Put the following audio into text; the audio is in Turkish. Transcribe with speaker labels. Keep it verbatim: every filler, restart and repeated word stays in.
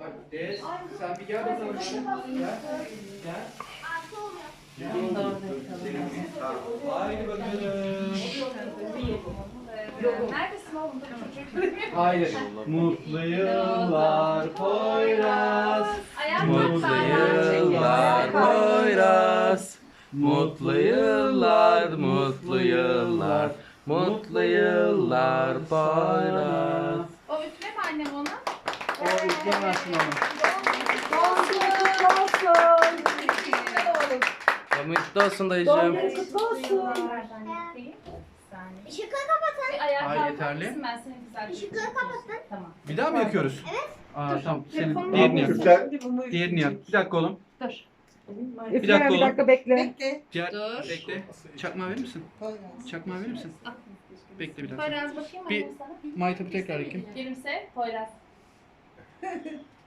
Speaker 1: Des, sen bir gel bakalım. Gel. Gel. Haydi bakalım.
Speaker 2: Neredesin oğlum?
Speaker 1: Haydi. Mutlu yıllar Poyraz.
Speaker 2: Mutlu
Speaker 1: yıllar Poyraz. Mutlu yıllar, mutlu yıllar. Mutlu yıllar Poyraz.
Speaker 2: O üfleme annem ona.
Speaker 1: O üflemezsin onu.
Speaker 3: Kutlu olsun.
Speaker 1: Mutlu olsun dayıcığım.
Speaker 3: Kutlu olsun.
Speaker 4: Işıkları kapatın.
Speaker 2: Bir ayağa
Speaker 1: Ay,
Speaker 2: kalkar
Speaker 1: yeterli.
Speaker 2: mısın? Ben seni güzel
Speaker 4: Işıkları kapatın.
Speaker 2: Tamam.
Speaker 1: Bir daha mı yakıyoruz? Evet. Aa tamam. Senin
Speaker 2: Telefonunu
Speaker 1: diğerini yak.
Speaker 3: Üfle.
Speaker 1: Diğerini yak. Bir dakika oğlum.
Speaker 2: Dur.
Speaker 3: Üfle,
Speaker 1: Bir dakika
Speaker 3: bir
Speaker 1: oğlum.
Speaker 3: dakika bekle.
Speaker 5: Bekle.
Speaker 1: Diğer,
Speaker 2: Dur.
Speaker 1: bekle. Çakmağı verir misin? Çakmağı verir misin? Bekle bir dakika.
Speaker 2: Poyraz bakayım
Speaker 1: Bir-
Speaker 2: annem sana.
Speaker 1: Maytabı tekrar yakayım.
Speaker 2: Gülümse. Poyraz.